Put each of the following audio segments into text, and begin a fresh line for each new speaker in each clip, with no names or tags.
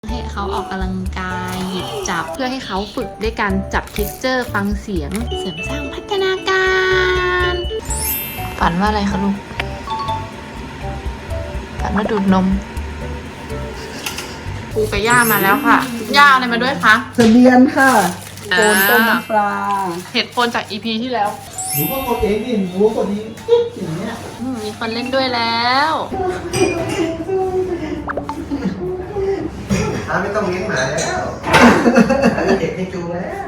ให้เขาออกกำลังกายหยิบจับเพื่อให้เขาฝึกด้วยการจับเท็กเจอร์ฟังเสียงเสริมสร้างพัฒนาการฝันว่าอะไรคะลูกฝันว่าดูดนมปูกับย่ามาแล้วค่ะย่าอะไรมาด้วยคะ
เสบียนค่ะโคนต้มน้ำปลา
เห็ดโคนจาก EP ที่แล้ว
หนูก็กดเองดิหนูกดเองจิ๊บอย่างเงี้ย
มีคนเล่นด้วยแล้ว
ไม่ต้องเลี้ยงหมาแล้วเด็กให้จูแล้ว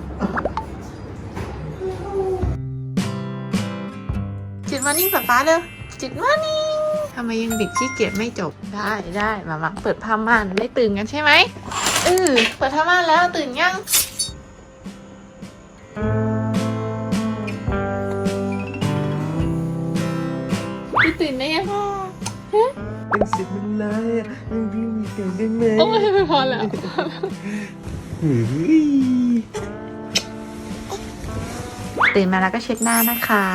จิตมานิ่งป๊าเลยจิตมานิ่งทำไมยังบิดขี้เกียจไม่จบได้มาเปิดผ้าม่านไม่ตื่นกันใช่ไหมเปิดผ้าม่านแล้วตื่นยังพี่ตื่นได้ยัง
เป็นสิบมันเลยพี่มีเสียงได้ไหม
โอ้ยไม่พอแล้วตื่นมาแล้วก็เช็ดหน้านะคะ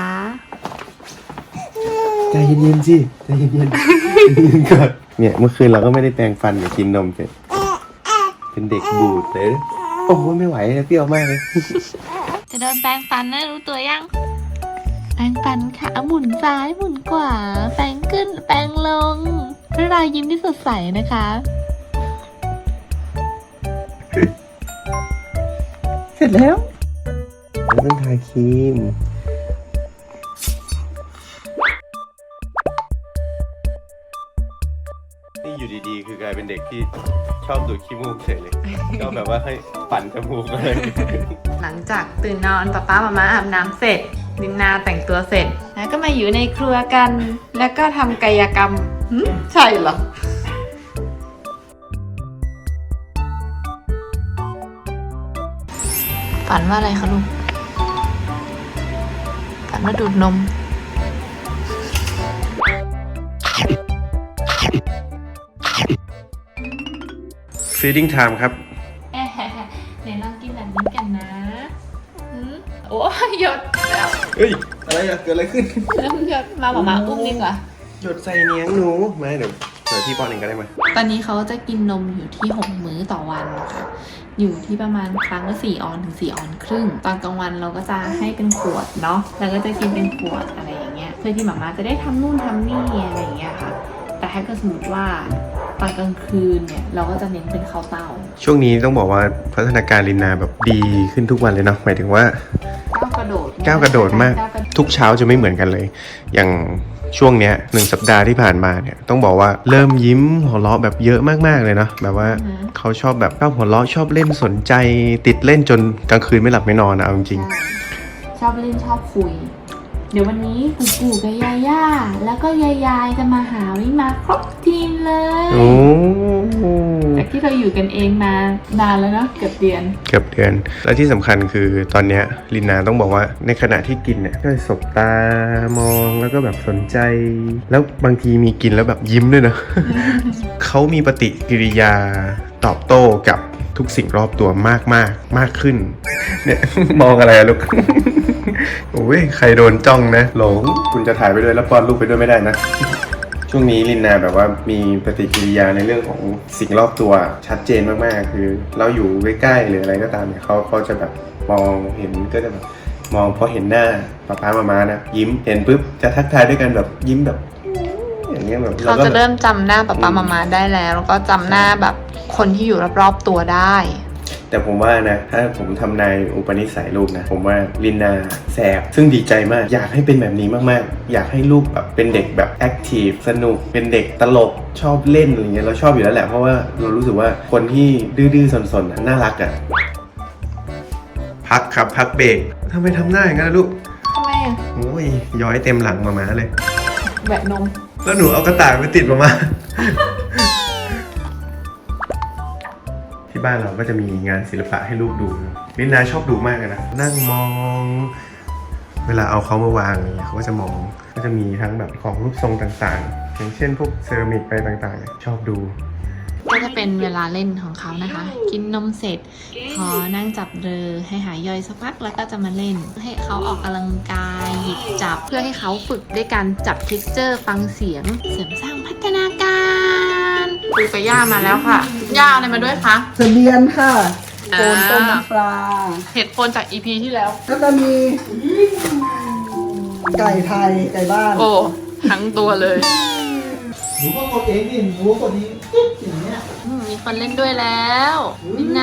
ใจเย็นๆสิใจเย็นๆก่อนเนี่ยเมื่อคืนเราก็ไม่ได้แปรงฟันเดี๋ยวกินนมเสร็จเป็นเด็กบูดเลยโอ้โหไม่ไหวเลยเปรี้ยวมากเลย
จะโดนแปรงฟันนะรู้ตัวยังแปรงฟันค่ะหมุนซ้ายหมุนขวาแปรงขึ้นแปรงลงเพื่อรอยยิ้มที่สดใสนะคะ
เสร็จแล้วต้องทาครีมนี่อยู่ดีๆคือกลายเป็นเด็กที่ชอบดูดขี้มูกเฉยเลยชอบแบบว่าให้ปั่นจมูกเลย
หลังจากตื่นนอนป๊ามาอาบน้ำเสร็จดินนาแต่งตัวเสร็จแล้วก็มาอยู่ในครัวกันแล้วก็ทำกายกรรมใช่เหรอฝันว่าอะไรคะลูกฝันว่าดูดนม
Feeding time ครับ
ไหนลองกินแบบนี้กันนะโอ้ยหยดแล้ว
เฮ้ยอะไรอะเกิดอะไรขึ้น
เริ่มหยดมาอุ้มดีกว่า
หยดใส่เนียงหนูมาเดี๋ยวพี่ป้อนเองก็ได้มา
ตอนนี้เขาจะกินนมอยู่ที่6 มื้อต่อวันนะคะอยู่ที่ประมาณครั้งละ4 ออนถึง4 ออนครึ่งตอนกลางวันเราก็จะให้เป็นขวดเนาะแล้วก็จะกินเป็นขวดอะไรอย่างเงี้ยเพื่อที่หมาจะได้ทำนู่นทำนี่อะไรอย่างเงี้ยค่ะแต่ถ้าเกิดสมมติว่าตอนกลางคืนเนี่ยเราก็จะเน้นเป็นข้าวเต้า
ช่วงนี้ต้องบอกว่าพัฒนาการลินนาแบบดีขึ้นทุกวันเลยเนาะหมายถึงว่า
ก้าวกระโดด
มากทุกเช้าจะไม่เหมือนกันเลยอย่างช่วงเนี้ย1 สัปดาห์ที่ผ่านมาเนี่ยต้องบอกว่าเริ่มยิ้มหัวเราะแบบเยอะมากๆเลยเนาะแบบว่าเขาชอบแบบชอบหัวเราะชอบเล่นสนใจติดเล่นจนกลางคืนไม่หลับไม่นอนนะเอาจริง
ชอบเล่นชอบคุยเดี๋ยววันนี้ปู่กับย่าแล้วก็ยายจะมาหาวิมาครบทีมเลยจากที่เราอยู่กันเองมานานแล้วเนาะเกือบเดือน
และที่สำคัญคือตอนเนี้ยลินนาต้องบอกว่าในขณะที่กินเนี่ยก็สบตามองแล้วก็แบบสนใจแล้วบางทีมีกินแล้วแบบยิ้มด้วยนะ เขามีปฏิกิริยาตอบโต้กับทุกสิ่งรอบตัวมากขึ้นเนี่ยมองอะไรอะลูก โอ้ยใครโดนจ้องนะหลงคุณจะถ่ายไปด้วยแล้วป้อนลูกไปด้วยไม่ได้นะช่วงนี้ลินนาแบบว่ามีปฏิกิริยาในเรื่องของสิ่งรอบตัวชัดเจนมากๆคือเราอยู่ใกล้ๆหรืออะไรก็ตามเนี่ยเขาจะแบบมองเห็นก็จะแบบมองพอเห็นหน้าป๊ามานะยิ้มเห็นปุ๊บจะทักทายด้วยกันแบบยิ้มแบบอย่างเงี้ยแบบ
เขาจะเริ่มจำหน้าป๊ามาได้แล้วก็จำหน้าแบบคนที่อยู่รอบๆตัวได้
แต่ผมว่านะถ้าผมทำนายอุปนิสัยลูกนะผมว่าลินนาแสบซึ่งดีใจมากอยากให้เป็นแบบนี้มากๆอยากให้ลูกแบบเป็นเด็กแบบแอคทีฟสนุกเป็นเด็กตลกชอบเล่นอะไรเงี้ยเราชอบอยู่แล้วแหละเพราะว่าเรารู้สึกว่าคนที่ดื้อๆสนๆน่ารักอ่ะพักครับพักเบรกทำไมทำหน้าอย่างนั้นลูก
ทำไมอ่ะ
โอ้ยย้อยเต็มหลังมาเลย
แบบนม
แล้วหนูเอากระต่ายไปติดมาที่บ้านเราก็จะมีงานศิลปะให้ลูกดูลินนาชอบดูมากเลยนะนั่งมองเวลาเอาเขามาวางเนี่ยเขาก็จะมองก็จะมีทั้งแบบของรูปทรงต่างๆอย่างเช่นพวกเซรามิกไปต่างๆชอบดู
ก็จะเป็นเวลาเล่นของเขานะคะกินนมเสร็จพอนั่งจับเรือให้หายย่อยสักพักแล้วก็จะมาเล่นให้เขาออกกำลังกายหยิบจับเพื่อให้เขาฝึกด้วยการจับเท็กเจอร์ฟังเสียงเสริมสร้างพัฒนาการปูกับย่ามาแล้วค่ะ ย่าอะไรมาด้วยคะ
เสบียนค่ะโคนต้มน้ำปลา
เห็ดโคนจาก EP ที่แล้ว
แล้วก็มีไก่ไทยไก่บ้าน
โอ้ทั้งตัวเลย
หนูก็กดเองดิหนูกดนี้จิ๊บอย่างเงี้ย
มีคนเล่นด้วยแล้วมินนา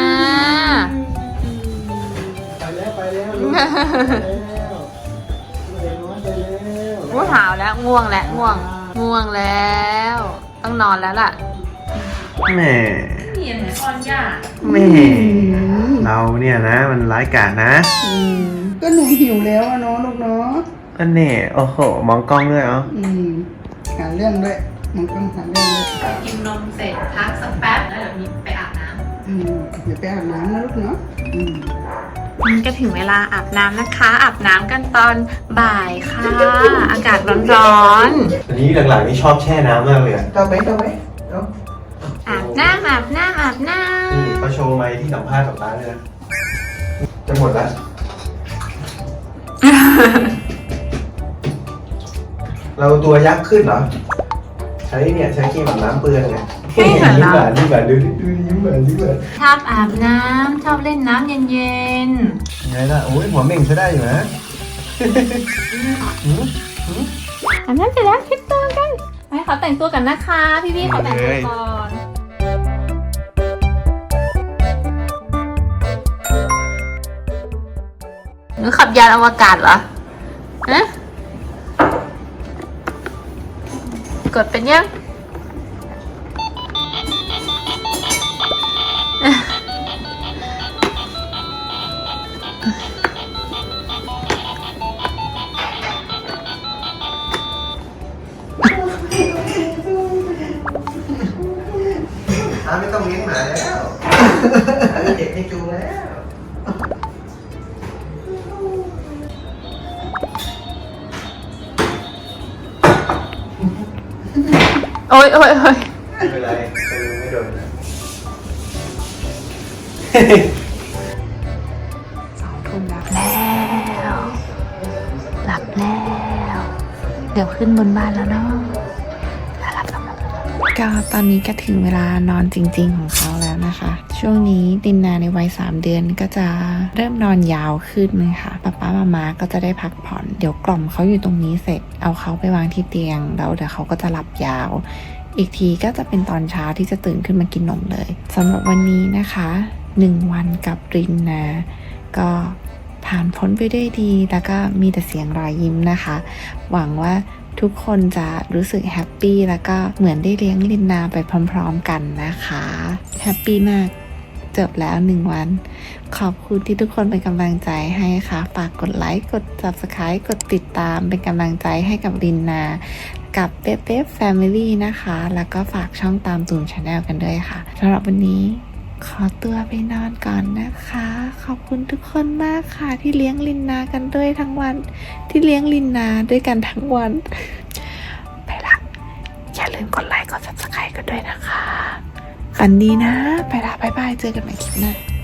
ไปแล้วไปแล้วลูกไปแล้วเด็กน้อยไปแล้ว
ง่วงหาวแล้วง่วงแล้วง่วงแล้ว ต้องนอนแล้วล่ะ
แหม
เนียนไหมออนย่า
แหม่เราเนี่ยนะ มันร้ายกาจนะ
ก็หนูหิวแล้วอะเนาะลูกเนาะ
อันนี้โอ้โห มองกล้องด้วยเหรอ
หาเรื่องด้วยมันต้องหาเรื่องด้วย
กินนมเสร็จพักสักแป๊บแล้วเดี๋ยวนี้ไปอาบน้ำ
เดี๋ยวไปอาบน้ำนะลูกเนาะ
มันก็ถึงเวลาอาบน้ำนะคะ อาบน้ำกันตอนบ่ายค่ะ อากาศร้อน
อันนี้หลังๆนี่ชอบแช่น้ำมากเลยอะ
เอาไปเอา
ๆอาบน้ำอาบน้ำอาบน้
นี่เขาโชว์ไมค์ที่สัมภาษณ์กับตาเลยนะ จะหมดแล้ว เราตัวยักษ์ขึ้นเหรอ ใช้เนี่ยใช้ครีมอาบน้ำเปลืองไงยิ้มหวานยิ้มหวานดูยิ้มหวานยิ้มหวาน
ำชอบอาบน้ำชอบเล่นน้ำเย็น
ไงล่ะโอ้ยหัวเม่งใช้ได้อยู่นะ
ๆอาบน้ำเสร็จแล้วเช็ดตัวกันให้เขาแต่งตัวกันนะคะ พี่ๆเขาแต่งตัวก่อนหนูขับยานอวกาศเหรอฮะกดเป็นยัง
ไม่ต้องเลี้ยงหมาแล้วเด็กให้จูงแล้ว
โอ้ยโอ้ยโอ้ย
ไม่เป็นไรไม่โดนนะ
2 ทุ่มแล้วหลับแล้ว เดี๋ยวขึ้นบนบ้านแล้วเนาะก็ตอนนี้ก็ถึงเวลานอนจริงๆของเขาแล้วนะคะ ช่วงนี้ดินนาในวัย3 เดือนก็จะเริ่มนอนยาวขึ้นนะคะป๊ามาม่าก็จะได้พักผ่อน เดี๋ยวกล่อมเขาอยู่ตรงนี้เสร็จ เอาเขาไปวางที่เตียงแล้วเดี๋ยวเขาก็จะหลับยาว อีกทีก็จะเป็นตอนเช้าที่จะตื่นขึ้นมากินนมเลยสำหรับวันนี้นะคะ1 วันกับรินนาก็ผ่านพ้นไปด้วยดีแล้วก็มีแต่เสียงรอยยิ้มนะคะ หวังว่าทุกคนจะรู้สึกแฮปปี้แล้วก็เหมือนได้เลี้ยงลินนาไปพร้อมๆกันนะคะแฮปปี้มากจบแล้ว1 วันขอบคุณที่ทุกคนเป็นกำลังใจให้ค่ะฝากกดไลค์กด Subscribe กดติดตามเป็นกำลังใจให้กับลินนากับเป๊ะแฟมิลี่นะคะแล้วก็ฝากช่องตามตูน Channel กันด้วยค่ะสำหรับวันนี้ขอตัวไปนอนก่อนนะคะขอบคุณทุกคนมากค่ะที่เลี้ยงลินนากันด้วยทั้งวันที่เลี้ยงลินนาด้วยกันทั้งวันไปละอย่าลืมกดไลค์กด Subscribe กันด้วยนะคะฝันดีนะไปละบ๊ายบายเจอกันใหม่คลิปหน้า